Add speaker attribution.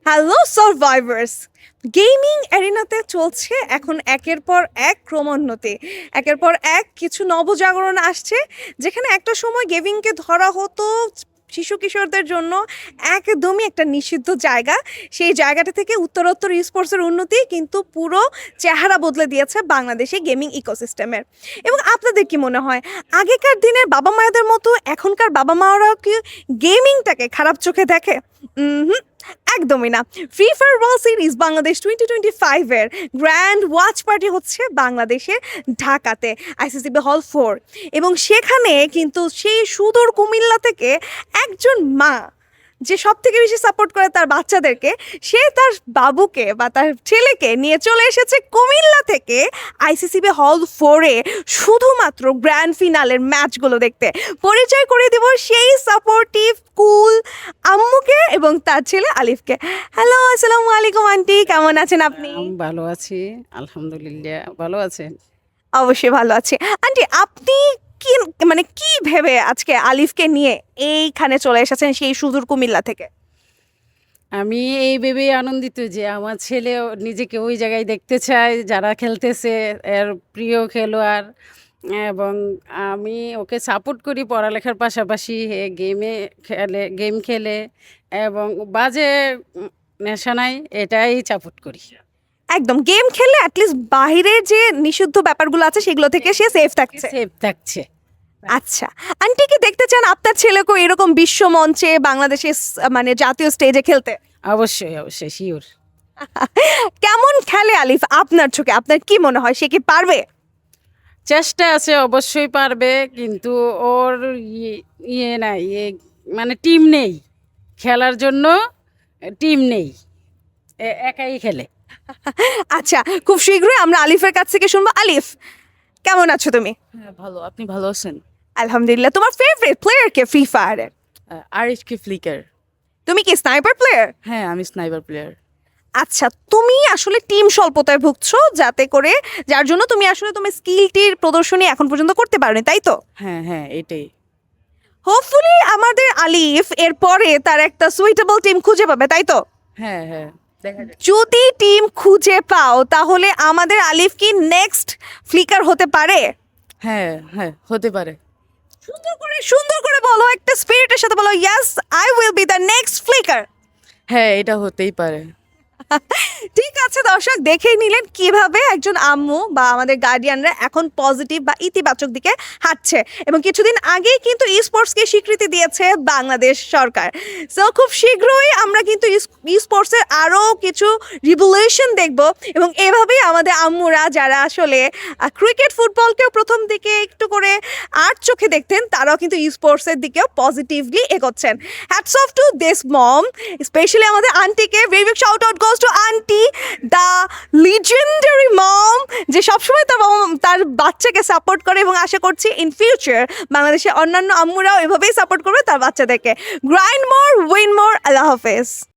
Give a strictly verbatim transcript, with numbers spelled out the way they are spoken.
Speaker 1: Hello survivors, gaming অ্যারিনাতে চলছে এখন একের পর এক ক্রমোন্নতি। একের পর এক কিছু নবজাগরণ আসছে, যেখানে একটা সময় গেমিংকে ধরা হতো শিশু কিশোরদের জন্য একদমই একটা নিষিদ্ধ জায়গা। সেই জায়গাটা থেকে উত্তরোত্তর স্পোর্টসের উন্নতি কিন্তু পুরো চেহারা বদলে দিয়েছে বাংলাদেশে গেমিং ইকোসিস্টেমের। এবং আপনাদের কি মনে হয়, আগেকার দিনের বাবা মায়েদের মতো এখনকার বাবা মারাও কি গেমিংটাকে খারাপ চোখে দেখে? হুম, একদমই না। Free fire world series Bangladesh twenty twenty ফাইভের গ্র্যান্ড ওয়াচ পার্টি হচ্ছে বাংলাদেশের ঢাকাতে, আইসিসিবি হল ফোর। এবং সেখানে কিন্তু সেই সুদূর কুমিল্লা থেকে একজন মা যে সব থেকে বেশি সাপোর্ট করে তার বাচ্চাদেরকে, সে তার বাবুকে বা তার ছেলেকে নিয়ে চলে এসেছে কুমিল্লা থেকে আইসিসিবি হল ফোরে শুধুমাত্র গ্র্যান্ড ফিনালের ম্যাচগুলো দেখতে। পরিচয় করে দেব সেই সাপোর্টিভ কুল আম্মুকে এবং তার ছেলে আলিফকে। হ্যালো, আসসালামু আলাইকুম আন্টি, কেমন আছেন আপনি?
Speaker 2: আমি ভালো আছি, আলহামদুলিল্লাহ। ভালো আছেন?
Speaker 1: অবশ্যই ভালো আছি আন্টি। আপনি কি মানে কি ভেবে আজকে আলিফকে নিয়ে এইখানে চলে এসেছেন সেই সুদূর কুমিল্লা থেকে?
Speaker 2: আমি এই ভেবেই আনন্দিত যে আমার ছেলে নিজেকে ওই জায়গায় দেখতে চায় যারা খেলতেছে, এর প্রিয় খেলোয়াড়। এবং আমি ওকে সাপোর্ট করি পড়ালেখার পাশাপাশি। এ গেমে খেলে, গেম খেলে এবং বাজে উম, নেশা নাই, এটাই সাপোর্ট করি।
Speaker 1: একদম, গেম খেললে অ্যাটলিস্ট বাইরের যে নিষিদ্ধ ব্যাপারগুলো আছে সেগুলো থেকে সে সেফ থাকছে।
Speaker 2: সেফ থাকছে।
Speaker 1: আচ্ছা, আন্টি কি দেখতে চান আপনার ছেলেকেও এরকম বিশ্ব মঞ্চে বাংলাদেশের স- মানে জাতীয় স্টেজে খেলতে?
Speaker 2: অবশ্যই অবশ্যই, শিওর।
Speaker 1: কেমন খেলে আলিফ আপনার চোখে? আপনার কি মনে হয় সে কি পারবে?
Speaker 2: চেষ্টা আছে, অবশ্যই পারবে, কিন্তু ওর ইয়ে ইয়ে নাই, ইয়ে মানে টিম নেই খেলার জন্য। টিম নেই, এ- একাই খেলে।
Speaker 1: আচ্ছা, খুব শীঘ্রই আমরা আলিফের কাছ থেকে শুনবো। আলিফ, কেমন আছো তুমি?
Speaker 3: হ্যাঁ, ভালো। আপনি ভালো আছেন?
Speaker 1: আলহামদুলিল্লাহ। তোমার ফেভারিট প্লেয়ার কে ফ্রি ফায়ারের?
Speaker 3: আহ, আরিফকে ফ্লিকার।
Speaker 1: তুমি কি স্নাইপার প্লেয়ার?
Speaker 3: হ্যাঁ, আমি স্নাইপার প্লেয়ার।
Speaker 1: আচ্ছা, তুমি আসলে টিম স্বল্পতায় ভুগছো, যাতে করে যার জন্য তুমি আসলে তোমার স্কিলটির প্রদর্শনী এখন পর্যন্ত করতে পারোনি, তাই তো?
Speaker 3: হ্যাঁ হ্যাঁ, এটাই।
Speaker 1: হোপফুলি আমাদের আলিফ এরপরে তার একটা সুইটেবল টিম খুঁজে পাবে, তাই তো?
Speaker 3: হ্যাঁ হ্যাঁ, দেখা যাক।
Speaker 1: যদি টিম খুঁজে পাও তাহলে আমাদের আলিফ কি নেক্সট ফ্লিকার হতে পারে?
Speaker 3: হ্যাঁ হ্যাঁ, হতে পারে।
Speaker 1: সুন্দর করে সুন্দর করে বলো, একটা স্পিরিটের সাথে বলো, yes I will be the next flicker.
Speaker 3: হ্যাঁ, এটা হতেই পারে।
Speaker 1: ঠিক আছে দর্শক, দেখেই নিলেন কিভাবে একজন আম্মু বা আমাদের গার্ডিয়ানরা এখন পজিটিভ বা ইতিবাচক দিকে হাঁটছে। এবং কিছুদিন আগেই কিন্তু ই স্পোর্টসকে স্বীকৃতি দিয়েছে বাংলাদেশ সরকার। সো খুব শীঘ্রই আমরা কিন্তু ই স্পোর্টসের আরও কিছু রিভলিউশন দেখব। এবং এভাবেই আমাদের আম্মুরা যারা আসলে ক্রিকেট ফুটবলকেও প্রথম দিকে একটু করে আট চোখে দেখতেন, তারাও কিন্তু ই স্পোর্টসের দিকেও পজিটিভলি এগোচ্ছেন। Hats off to this mom, specially আমাদের আন্টিকে। Very big shout out goes to aunty, the legendary mom, যে সবসময় তার বাবা- তার বাচ্চাকে সাপোর্ট করে। এবং আশা করছি ইন ফিউচার বাংলাদেশের অন্যান্য আম্মুরাও এভাবেই সাপোর্ট করবে তার বাচ্চাদেরকে। গ্রাইন্ড মোর, উইন মোর। আল্লাহ হাফেজ।